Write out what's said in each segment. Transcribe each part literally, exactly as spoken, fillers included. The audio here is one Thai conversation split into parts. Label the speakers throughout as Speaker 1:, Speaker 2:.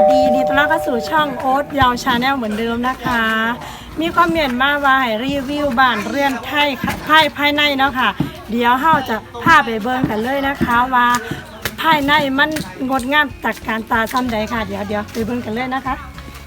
Speaker 1: ดีดีต้อนรับเข้าสู่ช่องโอ๊ตยาวชาแนลเหมือนเดิมนะคะ มีความเมียนมาว่าให้รีวิวบ้านเรือนไทยภายภายในเนาะค่ะเดี๋ยวเฮาจะพาไปเบิ่งกันเลยนะคะว่าภายในมันงดงามตระการตาซ้ำใดค่ะเดี๋ยวเดี๋ยวไปเบิ่งกันเลยนะคะ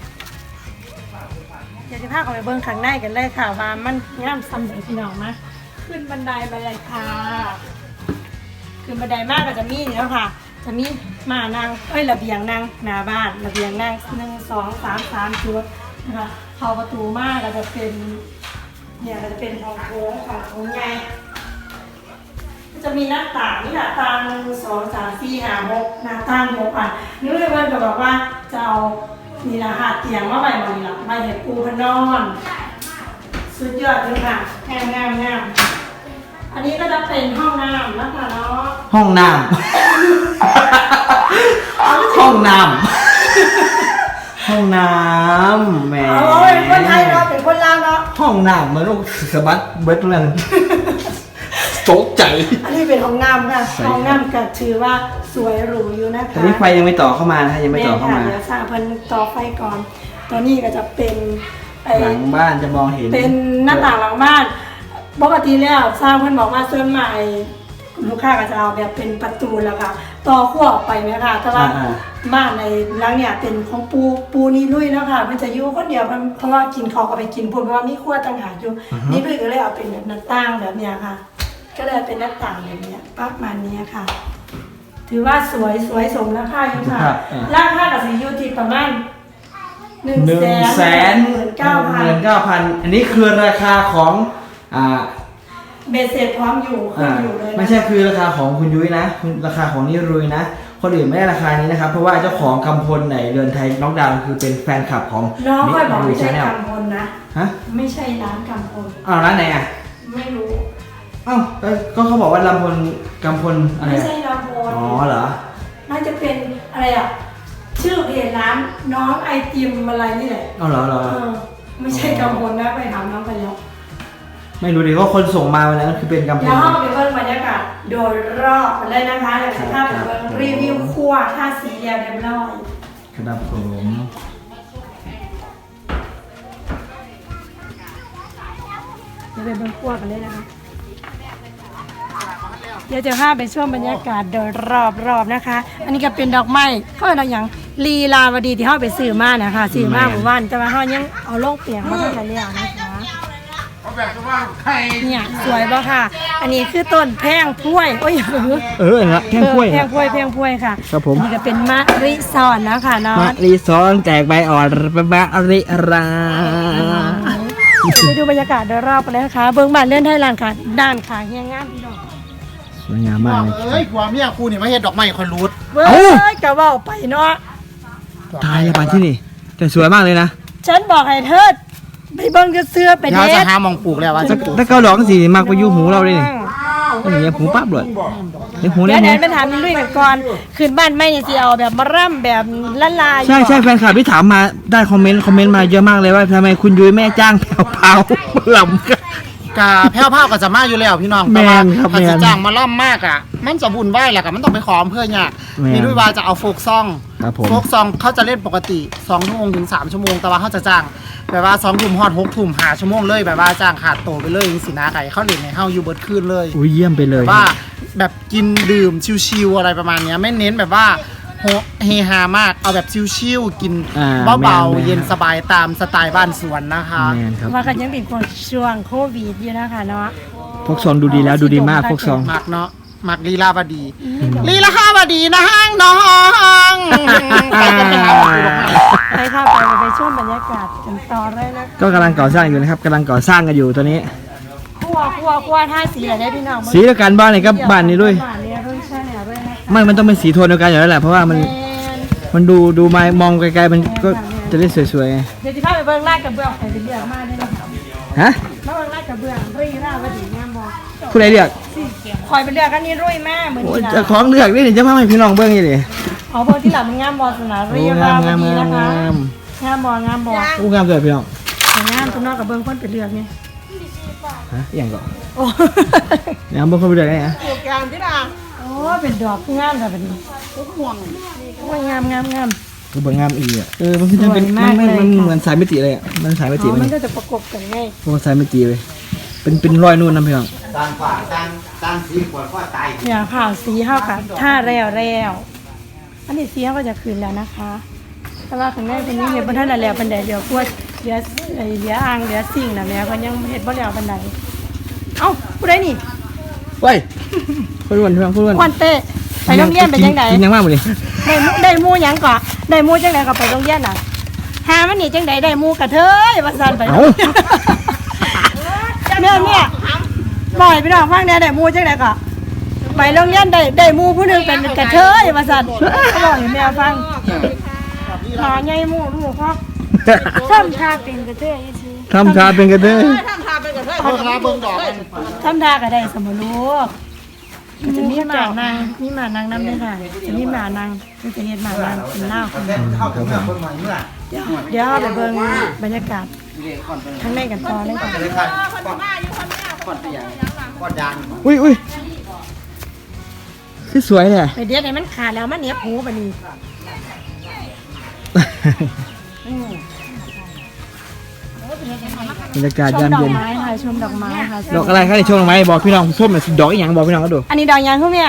Speaker 1: เดี๋ยวจะพาเข้าไปเบิ่งข้างในกันเลยค่ะว่ามันงามซ้ำใดพี่น้องมาขึ้นบันไดไปเลยค่ะขึ้นบันไดมากก็จะมีเนี่ยค่ะจะมีมานางเอ้ยระเบียงนางหน้าบ้านระเบียงนางหนึ่งสองสามสามจุดนะคะเข้าประตูมากก็จะเป็นเนี่ยก็จะเป็นห้องโถงของโถงใหญ่จะมีหน้าต่างนี่หน้าต่างหนึ่งสองสามสี่ห้าหกหน้าต่างหกอ่ะนี่เลยวันก็บอกว่าจะเอานี่ละค่ะเตียงมาใบมานี่ละใบเห็ดปูพนอนสุดยอดเลยค่ะงามงามงามอันนี้ก็จะเป็นห้องน้ำนะคะเนาะ
Speaker 2: ห้องน้ำ ห้องน้ำ ห้องน้ำแหม
Speaker 1: เอาเป็นคนไทยเนาะเป็นคนลาวเนาะ
Speaker 2: ห้องน้ำเหมือนลูกสะบัดเบิดเรื่องตกใจ
Speaker 1: อันนี้เป็นห้องน้ำค่ะห้องน้ำก็ถือว่าสวยหรูอยู่นะคะ
Speaker 2: ตอนนี้ไฟยังไม่ต่อเข้ามานะยังไม่ต่อเข้ามา
Speaker 1: เดี๋ยวสร้างเพิ่นต่อไฟก่อนตอนนี้ก็จะเป็น
Speaker 2: หลังบ้านจะมองเห็น
Speaker 1: เป็นหน้าต่างหลังบ้านปกติแล้วสร้างเพิ่นบอกว่าส่วนใหม่ลูกค้าก็จะเอาแบบเป็นประตูแล้วค่ะต่อขั้วออกไปไหมคะแต่ว่าบ้านในหลังเนี่ยเป็นของปูปูนี่ลุยแล้วค่ะมันจะอยู่คนเดียวเพราะว่ากินเขาก็ไปกินพุ่นเพราะว่ามีขั้วต่างหากอยู่นี่ลุยก็เลยเอาเป็นแบบหน้าต่างแบบเนี้ยค่ะก็เลยเป็นหน้าต่างแบบนี้ประมาณนี้ค่ะถือว่าสวยสวยสมราคาอยู่ค่ะราคากับสียูทีประมาณหนึ่งแสนหมื่นเก้าพัน
Speaker 2: หมื่นเก้าพันอันนี้คือราคาของอ่า
Speaker 1: เบสเสร็จพร้อมอยู่คุณอยู่เลย
Speaker 2: ไม่ใช่คือราคาของคุณยุ้ยนะราคาของนิรุยนะคนอื่นไม่ได้ราคานี้นะครับเพราะว่าเจ้าของกำพลไหนเรือนไทยน้องดาวคือเป็นแฟนคลับของ
Speaker 1: น้องค่อยบอกไม่ใช่กำพลนะ
Speaker 2: ฮะ
Speaker 1: ไม่ใช่ร้านกำพล
Speaker 2: อ้าวร้านไหนอ่ะ
Speaker 1: ไม่รู้
Speaker 2: อ้าวก็เขาบอกว่าลำพลกำพลอะไร
Speaker 1: ไม่ใช่ลำพล
Speaker 2: อ๋อเหรอ
Speaker 1: น่าจะเป็นอะไรอ่ะชื่อเพจร้านน้องไอติมอะไรนี่แหละ
Speaker 2: อ๋อเหรอเหรอ
Speaker 1: ไม่ใช่กำพลนะไปถามน้องไปแล้ว
Speaker 2: ไม่รู้ดิว่าคนส่งมาวันนั้นคือเป็นกำพล
Speaker 1: แล้วห้องไปเบิ่งบรรยากาศโดยรอบกันเลยนะคะเดี๋ยวจะพาไปเบิ่งรีวิวครัวท่าสีเรียบเรียบร้อย
Speaker 2: ครับผม
Speaker 1: เดี๋ยวไปเบิ่งครัวกันเลยนะคะเดี๋ยวจะพาไปช่วงบรรยากาศโดยรอบรอบนะคะ อันนี้ก็เป็นดอกไม้เขาเป็นอย่างลีลาวดีที่เขาไปซื้อมานะคะซื้อมาหมู่บ้านแต่ว่าเขายังเอาโลกเปียกมาทำอะไรแล้วนะคะเนี่ยสวยป่ะค่ะอันนี้คือต้นแพงพ้วยโอ้ย
Speaker 2: เออนะแพงพ้วย
Speaker 1: แพงพ้วยแพงพ้วยค่ะ
Speaker 2: ครับผม
Speaker 1: นี่ก็เป็นมะริซอนนะคะเนาะ
Speaker 2: มะริซอนแตกใบอ่อนมะริรา
Speaker 1: ไปดูบรรยากาศโดยรอบไปเลยนะคะเบื้องบ้านเลื่อนไทยหลังค่ะด้านขาเฮียงามพี่น้อง
Speaker 2: สวยงามมาก
Speaker 3: เอ้ยผัวเมียคู่นี่มาเฮ็ดดอกไม้คอยรูด
Speaker 1: เอ้ยกะว่าไปเนาะ
Speaker 2: ตายแล้วบ้านที่นี่แต่สวยมากเลยนะ
Speaker 1: ฉันบอกให้เธอไปเบิ่งเสื้อไปเด็
Speaker 3: ดจะหามองปลูกแล้วว่าจะ
Speaker 2: ถ้าเกาหลอกสีมากไปยุ่หูเราเลยนี่อย่างเงี้ยหูปั๊บเลยเดี๋ยวหู
Speaker 1: เดี๋
Speaker 2: ยว
Speaker 1: เดี๋ยวไปถามลุยกันก่อนขึ้นบ้านไม่เนี่ยสิเอาแบบมาร่ำแบบละลาย
Speaker 2: ใช่ใช่แฟนคลับที่ถามมาได้คอมเมนต์คอมเมนต์มาเยอะมากเลยว่าทำไมคุณยุ้ยแม่จ้างแผ่วเผาลำกัน
Speaker 3: กาแผ่วเผาก็จะมาอยู่แล้วพี่น้อง
Speaker 2: แมนครับแม
Speaker 3: นจ้างมาล่ำมากอ่ะมันจะบุญไหวแหละกับมันต้องไปขอเพื่อนเนี่ยมีด้วยว่าจะเอาโฟกซองโฟกซองเขาจะเล่นปกติสองชั่วโมงถึงสามชั่วโมงแต่ว่าเขาจะจ้างแบบว่าสองทุ่มฮอดหกทุ่มหาชั่วโมงเลยแบบว่าจ้างขาดโตไปเลยจริงสินะไก่เขาเล่นในเฮาอยู่เบิร์ดคืนเลย
Speaker 2: อุ้ยเยี่ยมไปเลย
Speaker 3: ว่าแบบกินดื่มชิวๆอะไรประมาณนี้ไม่เน้นแบบว่าเฮฮามากเอาแบบชิวๆกินเบาๆเย็นสบายตามสไตล์บ้านสวนนะคะ
Speaker 1: ว่ากันยังเป็นช่วงโควิดอยู่นะคะเนาะ
Speaker 2: พวกซองดูดีแล้วดูดีมากพวกซอง
Speaker 3: มากเนาะมักลีลาวดีลีลาวดีนะห้างน้อง
Speaker 1: ไปกันไปไปค่ะไปไปช่วงบรรยากาศกันต่อเลยนะ
Speaker 2: ก็กำลังก่อสร้างอยู่นะครับกำลังก่อสร้างกันอยู่ตอนนี้
Speaker 1: คั่วคั่วคั่วท่าสีอะไรได้พี่น้อง
Speaker 2: สีเดียวกันบ้านไหนก็บ้านนี้ด้วยไม่มันต้องเป็นสีโทนเดียวกันอยู่แล้วแหละเพราะว่ามันมันดูดูมามองไกลๆมันก็จะได้สวยๆไง
Speaker 1: เดี๋ยวจะพาไปเบิ่งลาดกระเบื้องไปเป็นเรื่องมากได้ไหมครับ
Speaker 2: ฮะ
Speaker 1: มาเบิ่งลาดกระเบื้องรีร่าวดีงามบ่
Speaker 2: ผู้ใดเลือก
Speaker 1: คอยเป็นเรื่องกันนี่รุ่ยมากเหมือน
Speaker 2: กันจะของเลือกนี่จะพาให้พี่น้องเบิ่งนี่ดิ
Speaker 1: อ๋อเบิ่งที่หลังมันงามบ่สนารีร่าวดีนะคะงามบ่งามบ่
Speaker 2: อู้งามเลยพี่น้อง
Speaker 1: งามทุกนอกกับเบิ่งคนเป็นเรื่องนี่
Speaker 2: ฮะอย่างก่อนงามเบิ่งคนเป็นเรื่องไงฮะ
Speaker 1: โปรแกรมที่น่ะโอ้เป็นดอกงามแบบนี้ห่วงโอ้ยงามงามงาม
Speaker 2: ก็บางงามอีกอ่ะเออมันคือจะเป็นมันมันมันเหมือนสายมิติเลยอ่ะมันสายมิติ
Speaker 1: อ๋อ
Speaker 2: มั
Speaker 1: มัน
Speaker 2: น
Speaker 1: ก็จะประกบกันไง
Speaker 2: พวกสายมิติเลยเป็นเป็นรอยนู่นนะพี่น้อง
Speaker 3: ต่างฝ่ายต่างต่างสีขวดข้อตาย
Speaker 1: เนี่ยค่ะสีห้าค่ะท่าแล้วแล้วอันนี้สีห้าก็จะคืนแล้วนะคะ แต่ว่าข้างในเป็นนี้เห็ดบนท่านแล้วบันไดเดียวพวกเหลือไอ้เหลืออ่างเหลือสิ่งนะแม่ก็ยังเห็ดบ่แล้วบันไดเอ้าผู้ใดนี่
Speaker 2: เว้ยคนอ้วนพี่น้องคนอ้วน
Speaker 1: ควันเต้ไปโรงเรียนเป็นยังไง
Speaker 2: กินยังมากหมดเลย
Speaker 1: ได้หมู่ได้หมู่หยังก่อได้หมู่จังไดก็ไปโรงเรียนน่ะหามันนี่จังไดได้หมู่กระเทยว่าซั่นไปโรงเรียนเนี่ยเนี่ยบ่อยพี่น้องฟังเนี่ยได้หมู่จังไดก็ไปโรงเรียนได้ได้หมู่ผู้หนึงเป็นกระเทยว่าซั่นก็บอกให้แม่ฟังหาใหญ่หมู่ลูกพ่อทำทาเป็นกระเทยซื่อ
Speaker 2: ทำชาเป็นกันเด้อ
Speaker 3: เขาคาเบิ่งดอกกัน
Speaker 1: ทำทาก็ได้สมรู้มันจะมีหมานางมีหมานางน้ำด้วยค่ะจะมีหมานางมันจะเห็นหมานางเป็นเล่าคนเดียว
Speaker 3: เข้าถึงเมื่อคนใหม่เมื่อ
Speaker 1: เดี๋ยวเดี๋ยวเราไปเบิ่งบรรยากาศข้างในกันต่อเลยค่ะ
Speaker 3: เลยค่ะก่อนก่อนไปอย่างก่อนยาง
Speaker 2: อุ้ยอุ้ยคือสวยเลย
Speaker 1: ไปเดี๋ยวไหนมันขาดแล้วมันเหนียบหูบันนี้
Speaker 2: บรรยากาศ
Speaker 1: ชม
Speaker 2: ยาม
Speaker 1: ดอ
Speaker 2: เย็
Speaker 1: ก
Speaker 2: น
Speaker 1: ไม้ค่ะชมดอกไม้ค่ะ
Speaker 2: ดอกอะไรครับในช่วงดอกไม้บอกพี่น้องส้มหน่อยดอกอีหยังบอกพี่น้องก็ดู
Speaker 1: อันนี้ดอกยางคุณแม่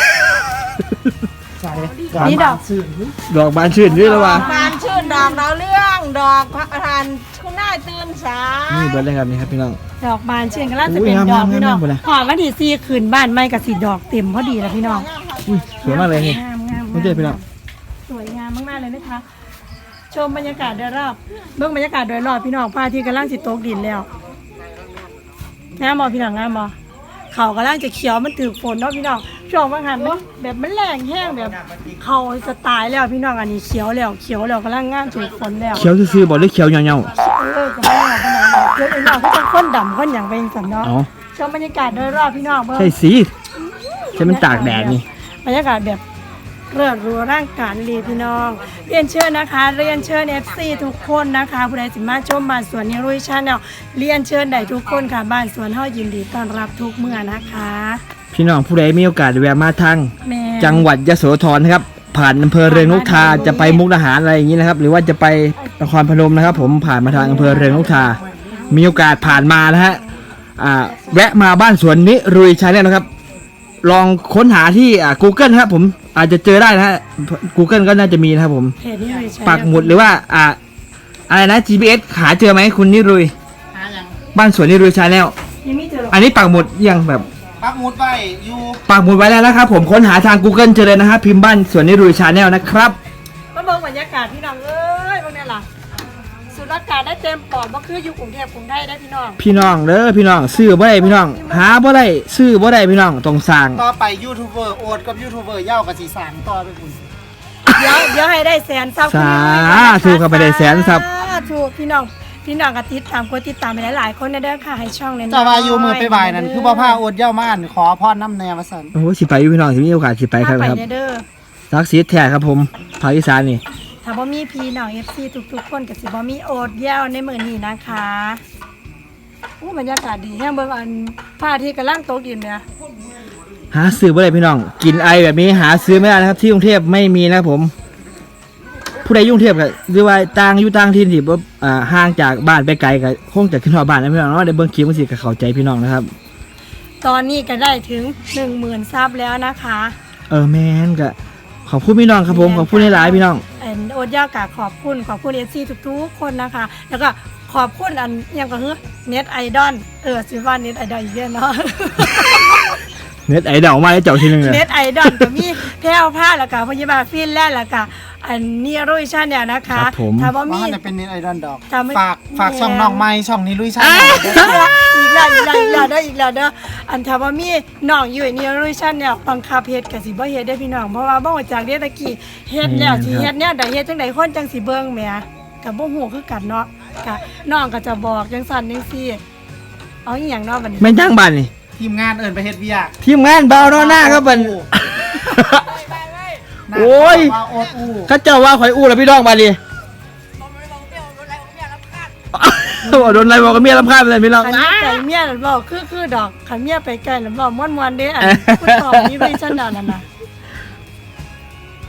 Speaker 1: นี่ดอก
Speaker 2: ดอกบานชื่นด้วยแล้ววะ
Speaker 4: บานชื่นดอกดาวเรื่องดอกพระประธานคุณนายตื่นสาย
Speaker 2: นี่เบิร์ดเลยครับนี่ครับพี่น้อง
Speaker 1: ดอกบานเชื่อกันแล้วจะเป็น
Speaker 2: อุ้ย
Speaker 1: ดอก
Speaker 2: งามๆ
Speaker 1: พี่น้อง
Speaker 2: งามๆหมดเลย
Speaker 1: หอมวันที่สี่คืนบ้านไม่กับสีดอกเต็มพอดีแล้วพี่น้อง
Speaker 2: อุ้ยสวยมากเลยนี่
Speaker 1: งามงาม
Speaker 2: ไม่ใช่พี่น้อง
Speaker 1: สวยงามมากๆเลยนะคะ ชมบรรยากาศโดยรอบเบื้องบรรยากาศโดยรอบพี่น้องพระอาทิตย์กำลังสิตกดินแล้วงามบอพี่น้องงามบอเขากำลังจะเขียวมันถือฝนเนาะพี่น้องช่วงบางหันมันแบบมันแรงแห้งแบบเขาจะตายแล้วพี่น้องอันนี้เขียวแล้วเขียวแล้วกำลังงามถือฝนแล้ว
Speaker 2: เขียวซื่อๆบอกเลยเขียวเงา
Speaker 1: เออจะไม่เอาไปไหนเดี๋ยวไอ้น้องเขาจะข้นดำข้นอย่างเป็นสัน
Speaker 2: ๆ
Speaker 1: เนาะ
Speaker 2: เอา
Speaker 1: ชมบรรยากาศโดยรอบพี่น้องเบิ่ง
Speaker 2: ใช่สีใช่มันตากแดดนี่
Speaker 1: บรรยากาศแบบเริดรัวร่างกายดีพี่น้อง เรียนเชิญนะคะเรียนเชิญ เอฟ ซี ทุกคนนะคะผู้ใดสิมาชมบ้านสวนนิรุยชาแนลเรียนเชิญได้ทุกคนค่ะบ้านสวนเฮายินดีต้อนรับทุกเมื่อนะคะ
Speaker 2: พี่น้องผู้ใดมีโอกาสแวะมาทาง
Speaker 1: แม่
Speaker 2: จังหวัดยโสธรนะครับ ผ่านอำเภอเรืองนกทาจะไปมุกดาหารอะไรอย่างนี้นะครับ หรือว่าจะไปนครพนมนะครับ ผมผ่านมาทางอำเภอเรืองนกทา มีโอกาสผ่านมานะฮะอ่าแวะมาบ้านสวนนิรุยชาแนลนะครับ ลองค้นหาที่อ่า Google นะครับผมอาจจะเจอได้นะฮะ Google ก็น่าจะมีนะครับผม
Speaker 1: เพจนิรุยชาแนล
Speaker 2: ปักหมุดหรือว่าอ่าอะไรนะ จี พี เอส หาเจอไหมคุณนิรุย
Speaker 3: หายัง
Speaker 2: บ้านสวนนิรุยชาแนล
Speaker 1: ยังไม่เจอหรอก
Speaker 2: อันนี้ปักหมุดยังแบบ
Speaker 3: ปักหมุดไว้อยู่
Speaker 2: ปักหมุดไว้แล้วนะครับผมค้นหาทาง Google เจอเลยนะครับพิมพ์บ้านสวนนิรุยชาแนลนะครับ
Speaker 1: มาเบิ่งบรรยากาศพี่น้องเอ้ยพวกนี้ล่ะสูดอากาศได้เต็มปอดบ่คืออยู่กรุงเทพกรุงไทยได้พี่น้อง
Speaker 2: พี่น้องเด้อพี่น้องซื้อบ่ได้พี่น้อง หาบ่ได้ซื้อบ่ได้พี่น้องต้องสร้าง
Speaker 3: ต่อไปยูทูบเบอร์โอดกับยูทูบเบอร์เย่ากับสีสานต่อไปคุณ
Speaker 1: เดี๋ยวเดี๋ยวให้ได้แสนซับ
Speaker 2: สาธุเข้าไปได้แสนซับ
Speaker 1: ถูกพี่น้องพี่น้องก็ติดตามกดติดตามไปหลายๆคนนะเด้อค่ะให้ช่องเนี่ย
Speaker 3: จะว่าอยู่มือไปบ่ายนั่นคือพ่อผ้าโอดเย่ามาอ่านขอพรน้ำแนวมาสัน
Speaker 2: โอ้โหสิไปอยู่พี่น้องสิมีโอกาสสิไปครับ
Speaker 1: ไป
Speaker 2: ครับ
Speaker 1: เด้อ
Speaker 2: สักดิ์ศรีแท้ครับผมภาคอีสานนี่
Speaker 1: ถ้าบ่มีพี่น้อง เอฟ ซี ทุกๆคนก็สิบ่มีโอดแย้วในมื้อนี้นะคะอู้บรรยากาศดีแฮงเบิ่งอันพระอาทิตย์กำลังตกดินเนี่ย
Speaker 2: หาซื้อบ่ได้พี่น้อง กินไอแบบนี้หาซื้อไม่ได้นะครับ ที่กรุงเทพไม่มีนะครับผม ผู้ใดอยุ่กรุงเทพก็หรือว่าต่างอยู่ต่างถิ่นที่บ่อ่าห่างจากบ้านไปไกลก็คงจะขึ้นฮอดบ้านนะพี่น้องเนาะได้เบิ่งคลิปมันสิก็เข้าใจพี่น้องนะครับ
Speaker 1: ตอนนี้ก็ได้ถึง หนึ่งหมื่น ซับแล้วนะคะ
Speaker 2: เออแม่นก็ขอบคุณพี่น้องครับผมขอบคุณหลายๆพี่น้อง
Speaker 1: เอ็นโอดแย้วก็ขอบคุณขอบคุณ เอฟ ซี ทุกๆคนนะคะ แล้วก็ขอบคุณอันอิหยังก็คือเน็ตไอดอลเออสิว่าเน็ตไอดอลอีกแล้วเนาะ
Speaker 2: เน็ตไอดอลมาแล้วเจ้าทีหนึงเลย
Speaker 1: เน็ตไอดอลก็มีแพรวผ้าแล้วก็พยาบาลฟินแลนด์แล้วก็อันนี้รุ่ยชาเนี่ยนะคะ
Speaker 2: ครับผม
Speaker 1: ถ้าว่า
Speaker 3: ว่า
Speaker 1: มี
Speaker 3: จะเป็นเน็ตไอดอลดอก
Speaker 1: ถ้าไม่
Speaker 3: ฝากฝากช่องน้องไม้ช่องนี้ลุยชา
Speaker 1: อีกแล้วอีกแล้วอีกแล้วเด้ออีกแล้วเด้ออันถ้าว่ามีน้องอยู่ไอ้นี่รุ่ยชาเนี่ยบังคับเฮ็ดก็สิบ่เฮ็ดได้พี่น้องเพราะว่าบ่รู้จักเด้ตะกี้เฮ็ดแล้วสิเฮ็ดแนวใดเฮ็ดจังไดคนจังสิเบิ่งแหมก็บ่ฮู้คือกันเนาะก็น้องก็จะบอกจังซั่นจังซี่เอาอีหยังเนาะบัดนี้
Speaker 2: แม่นจ้างบ้านนี่
Speaker 3: ทีมงานเอิญไปเฮ็ดเวียก
Speaker 2: ทีมงานเบาเนาะหน้าครับบัน โอ้ย
Speaker 3: ว่าโอดอู้
Speaker 2: เขาเจ้าว่าข่อยอู้แล้วพี่น้องมาดิบอกโดนอะไรบอกกับเมียรำคาญไปเลยพี่น้อง
Speaker 1: คันนี้ไก่เมียนั่นบอกคือคือดอกคันเมียไปไกลนั่นบอกม่วนๆเด้อันผู้ตอบนี้รุ่ยชาแนลนั่นน่ะ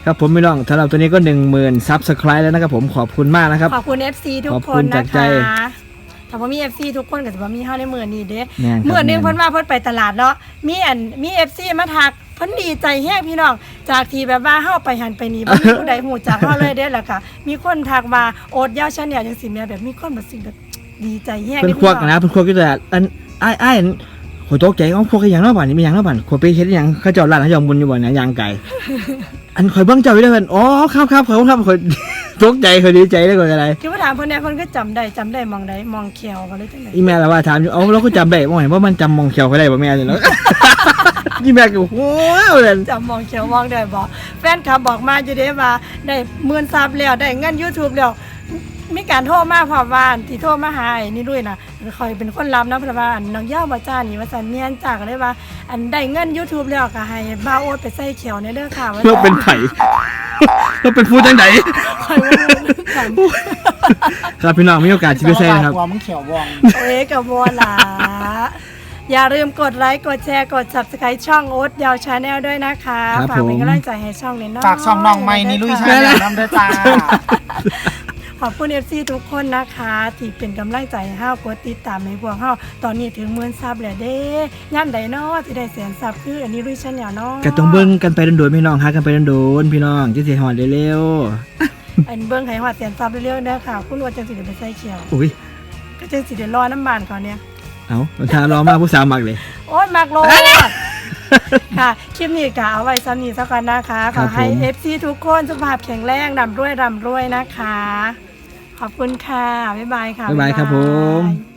Speaker 2: ครับผมพี่น้องสำหรับตัวนี้ก็หนึ่งหมื่นซับสไครต์แล้วนะครับผมขอบคุณมากนะครับ
Speaker 1: ขอบคุณ เอฟ ซี ทุก
Speaker 2: ขอบ
Speaker 1: ค
Speaker 2: คุ
Speaker 1: น
Speaker 2: ณจา
Speaker 1: นะ
Speaker 2: กใจ
Speaker 1: คะถ้าว่ามี เอฟ ซี ทุกคนก็จะว่ามีเฮาในมื้อนี้เด้
Speaker 2: แม่นครับ
Speaker 1: มื้อหนึง
Speaker 2: แม่น
Speaker 1: เพิ่นว่าเพิ่นไปตลาดเนาะมีอันมี เอฟ ซี มาทักเพิ่นดีใจแฮงพี่น้องจากที่แบบว่าเฮาไปหันไปนี่บ่มีผู้ใดฮู้จักเฮาเลยเด้แล้วก็มีคนทักว่าโอดยาวชาแนลจังซี่แม่แบบมีคนแบบสิ่งแบบดีใจแฮง
Speaker 2: เพิ่นควักนะเพิ่นควักอยู่แต่อันอ้ายอ้ายอันโหตกใจเอาพวกอีหยังเนาะบัดนี้มีหยังเนาะบัดขวไปเฮ็ดอีหยังเขาเจ้าร้านเขาเจ้าบุญอยู่บ่เนี่ยยางไก่ อันข่อยเบิ่งเจ้าอยู่เด้อเพิ่นอ๋อครับครับขอบคุณครับข่อย ตกใจข่อยดีใจได้กว่าอะไร
Speaker 1: คือว่าถามเพิ่นเนี่ยเพิ่นก็จำได้จำได้มองใดมองเขียวก็เลยจังได๋
Speaker 2: อีแม่ละว่าถามอยู่เอ้าเราก็จำได้บ่เห็นว่ามันจำมองเขียวเขาได้บ่แม่นี่เนาะ อีแม่ก็โอ้ยเลย
Speaker 1: จำมองเขียวมองได้บ่แฟนคลับบอกมาอยู่เด้ว่าได้หมื่นซับแล้วได้เงิน YouTube แล้วมีการโทรมาพร้อมว่าอันที่โทรมาหาไอ้นี่ด้วยนะคอยเป็นคนรับนะเพราะว่าอันน้องย่าบ่จ้านี่ว่าสันเมียนจากเลยว่า อันได้เงิน YouTube แล้วก็ให้บ่าวโอ๊ตไปใส่เขียวในเด้อค่ะว่า
Speaker 2: เราเป็นไผ เราเป็นผู้จังได
Speaker 1: คอยว่ากัน
Speaker 2: ครับพี่น้องมีโอกาสสิไปใส่นะครับ
Speaker 3: กลัวมึงเขียววอง
Speaker 1: เอ้กับบัวหลาอย่าลืมกดไลค์กดแชร์กด Subscribe ช่องโอ๊ตยาวชาแนลด้วยนะคะ
Speaker 2: ครับ
Speaker 1: ฝากเป็น
Speaker 2: ผม
Speaker 1: กำลังใจให้ช่องนี้น้อย
Speaker 3: ฝากช่องน้องไม้นี่ลุยชาแนลน้ำเด้อจ้า
Speaker 1: ขอบคุณ เอฟ ซี ทุกคนนะคะที่เป็นกำลังใจให้เฮากดติดตามให้พวกเฮาตอนนี้ถึงหมื่นซับแล้วเด้ย่ำใดเนาะที่ได้แสนซับคืออันนี้ลุยชาแนลเนาะ
Speaker 2: ก็ต้องเบิ่งกันไปโดนๆพี่น้องหากันไปโดนๆพี่น้องจะสิฮอดเร็ว
Speaker 1: อันเบิ่งให้ฮอดแสนซับเร็วๆเด้อค่ะคุณว่าจังสิได้ไปใส่เขียว
Speaker 2: ๆอุ้ย
Speaker 1: ก็จังสิได้รอน้ำบานเขาเนี่ย
Speaker 2: เอ้าถ้ารอมาผู้สาวมักเลย
Speaker 1: โอ๊ยมักโลดค่ะ คลิปนี้ก็เอาไว้ซ้ำนี้ซะก่อนนะคะ ขอให้
Speaker 2: ครับผม
Speaker 1: เอฟ ซี ทุกคนสุขภาพแข็งแรงร่ำรวยร่ำรวยนะคะ ขอบคุณค่ะ บ๊ายบายค่ะ
Speaker 2: บ๊ายบายครับผม